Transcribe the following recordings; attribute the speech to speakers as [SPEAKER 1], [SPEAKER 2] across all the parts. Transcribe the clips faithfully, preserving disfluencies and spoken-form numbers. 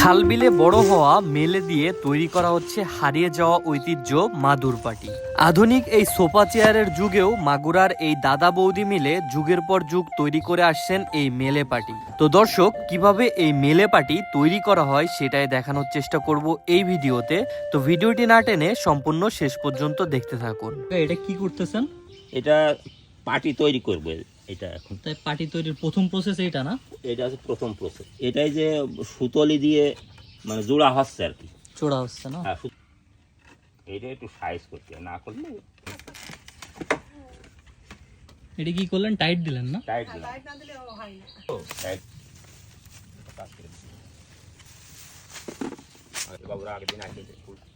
[SPEAKER 1] খাল বিলে বড় হওয়া মেলে দিয়ে তৈরি করা হচ্ছে হারিয়ে যাওয়া ঐতিহ্য মাদুর পাটি। আধুনিক এই সোফা চেয়ারের যুগেও মাগুরার এই দাদা বৌদি মিলে যুগের পর যুগ তৈরি করে আসছেন এই মেলে পাটি। তো দর্শক, কিভাবে এই মেলে পাটি তৈরি করা হয় সেটাই দেখানোর চেষ্টা করব এই ভিডিওতে। তো ভিডিওটি না টেনে সম্পূর্ণ শেষ পর্যন্ত দেখতে থাকুন।
[SPEAKER 2] এটা কি করতেছেন?
[SPEAKER 3] এটা পাটি তৈরি করবে। এটা এখন
[SPEAKER 2] তাই পাটি তৈরির প্রথম প্রসেস এইটা না?
[SPEAKER 3] এটা হচ্ছে প্রথম প্রসেস। এটাই যে সুতলি দিয়ে মানে জোড়া হচ্ছে আর কি,
[SPEAKER 2] চোড়া হচ্ছে না?
[SPEAKER 3] হ্যাঁ, সু- এটা একটু সাইজ করতে হয়, না করলে
[SPEAKER 2] এটা কি করলেন? টাইট দিলেন না?
[SPEAKER 3] টাইট টাইট বাবুরা আগের দিন আসে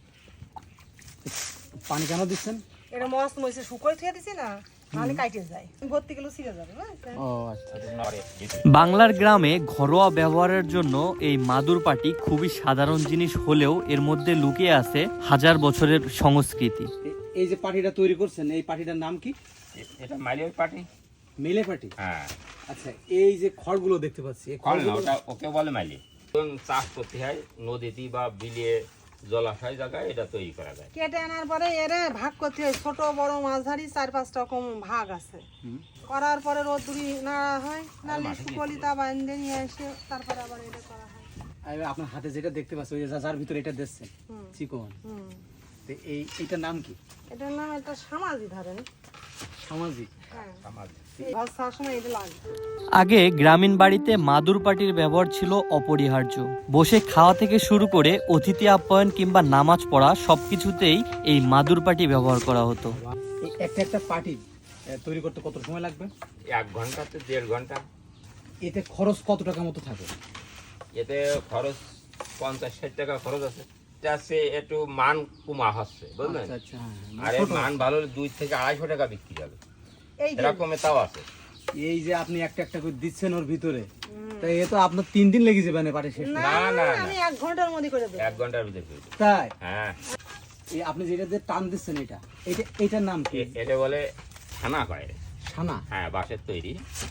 [SPEAKER 4] পানি কেন দিচ্ছেন?
[SPEAKER 5] এটা মস্ত মইছে শুকোয় থুয়ে দিছি না, নাহলে কাইটে যায়, ভর্তি গেলে ছিঁড়ে যাবে। বুঝছেন?
[SPEAKER 4] ও আচ্ছা।
[SPEAKER 1] বাংলার গ্রামে ঘরোয়া ব্যবহারের জন্য এই মাদুর পাটি খুবই সাধারণ জিনিস হলেও এর মধ্যে লুকিয়ে আছে হাজার বছরের সংস্কৃতি।
[SPEAKER 4] এ- এই যে পাটিটা তৈরি করছেন, এই পাটিটার নাম কি?
[SPEAKER 3] এটা মাইলের পাটি।
[SPEAKER 4] মেলে পাটি।
[SPEAKER 3] হ্যাঁ,
[SPEAKER 4] আচ্ছা, এই যে খড়গুলো দেখতে পাচ্ছি, এই
[SPEAKER 3] খড় না,
[SPEAKER 4] খড়গুলো
[SPEAKER 3] ওটা ওকে বলে মাইলে। এবং চাষ করতে হয় নদীতে বা বিলে জলাশয় জায়গায়, এটা তৈরি করা যায়।
[SPEAKER 5] কেটে আনার পরে এরে ভাগ করতে হয়, ছোট বড় মাঝারি চার পাঁচটা রকম ভাগ আছে। করার পরে রোদ্দুরি নাড়া হয়, নালে শুকলি তা বাইন্ধে নিয়ে এসে তারপরে আবার এটা করা হয়।
[SPEAKER 4] আর আপনার হাতে যেটা দেখতে পাচ্ছি, ওই যে যার ভিতরে এটা দিচ্ছেন
[SPEAKER 5] হুম।
[SPEAKER 4] চিকন,
[SPEAKER 5] হুম,
[SPEAKER 4] তো এই এইটার নাম কি?
[SPEAKER 5] এটার নাম একটা সামাজি ধরেন।
[SPEAKER 4] সামাজিক।
[SPEAKER 5] হ্যাঁ,
[SPEAKER 3] আমার
[SPEAKER 5] এই ভাজ খাওয়ার সময় এটা লাগে।
[SPEAKER 1] আগে গ্রামীণ বাড়িতে মাদুর পাটির ব্যবহার ছিল অপরিহার্য। বসে খাওয়া থেকে শুরু করে অতিথি আপ্যায়ন কিংবা নামাজ পড়া সবকিছুতেই এই মাদুর পাটি ব্যবহার করা হতো।
[SPEAKER 4] এই একটা একটা পাটি এ, তৈরি করতে কত সময় লাগবে?
[SPEAKER 3] এক ঘন্টাতে দেড় ঘন্টা।
[SPEAKER 4] এতে খরচ কত টাকা মতো থাকে?
[SPEAKER 3] এতে খরচ পঞ্চাশ ষাট টাকা খরচ আছে। এটা আছে একটু মান কমা হচ্ছে, বুঝলেন?
[SPEAKER 4] আচ্ছা আচ্ছা, হ্যাঁ,
[SPEAKER 3] আর
[SPEAKER 4] ছোট।
[SPEAKER 3] মান ভালো হলে দুই থেকে আড়াইশো টাকা বিক্রি যাবে,
[SPEAKER 5] এই যে
[SPEAKER 3] এরকমে তাও আছে।
[SPEAKER 4] এই যে আপনি একটা একটা করে দিচ্ছেন ওর ভিতরে, তাই এ তো আপনার তিন দিন লেগে যাবে না পাটি শেষ করতে।
[SPEAKER 5] না
[SPEAKER 3] না, না, না।
[SPEAKER 5] আমি এক ঘন্টার মধ্যে করে দেবো।
[SPEAKER 3] এক ঘন্টার ভিতরে হয়ে যাবে।
[SPEAKER 4] তাই
[SPEAKER 3] হ্যাঁ,
[SPEAKER 4] এই আপনি যেটা দিয়ে টান দিচ্ছেন, এটা এটা এটার নাম কি?
[SPEAKER 3] এ- এটা বলে ছানা কয়।
[SPEAKER 4] ছানা।
[SPEAKER 3] হ্যাঁ, বাঁশের তৈরি।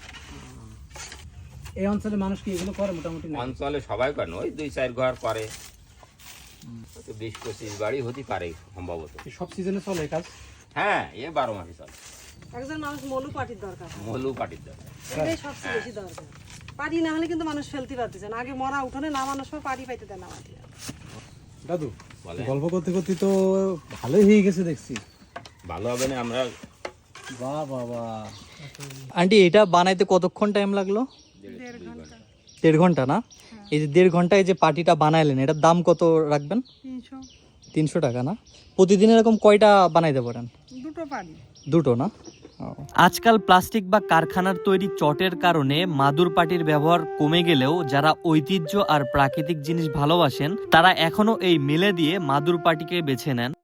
[SPEAKER 4] এই অঞ্চলে মানুষ কি এগুলো করে মোটামুটি না?
[SPEAKER 3] অঞ্চলে সবাই করে না, ওই দুই চার ঘর করে, হয়তো বিশ পঁচিশ বাড়ি হতে পারে সম্ভবত।
[SPEAKER 4] এই সব সিজনে চলে এই কাজ?
[SPEAKER 3] হ্যাঁ, এ বারো মাসে চলে।
[SPEAKER 5] একজন মানুষ মলু পাটির দরকার,
[SPEAKER 3] মলু পাটির দরকার।
[SPEAKER 5] এটাই সবচেয়ে বেশি দরকার। পাটি না হলে কিন্তু মানুষ ফেলতে পারতেছে না। আগে মরা উঠোনে নামানোর সময় পাটি পাইতে দেয় না মাটি।
[SPEAKER 4] দাদু,
[SPEAKER 3] বলে
[SPEAKER 4] গল্প করতে করতে তো ভালোই হয়ে গেছে দেখছি।
[SPEAKER 3] ভালো হবে না? আমরা
[SPEAKER 4] বাহ বাবা,
[SPEAKER 2] আন্টি, এটা বানাইতে কতক্ষণ টাইম লাগলো?
[SPEAKER 5] দেড় ঘন্টা,
[SPEAKER 2] দেড় ঘন্টা না? এই যে দেড় ঘন্টায় যে পাটিটা বানাইলেন, এটার দাম কত রাখবেন?
[SPEAKER 5] তিনশো।
[SPEAKER 2] তিনশো টাকা না? প্রতিদিন এরকম কয়টা বানাইতে পারেন?
[SPEAKER 5] দুটো পাটি।
[SPEAKER 2] দুটো না? ও।
[SPEAKER 1] আজকাল প্লাস্টিক বা কারখানার তৈরি চটের কারণে মাদুর পাটির ব্যবহার কমে গেলেও যারা ঐতিহ্য আর প্রাকৃতিক জিনিস ভালোবাসেন তারা এখনো এই মেলে দিয়ে মাদুর পাটিকে বেছে নেন।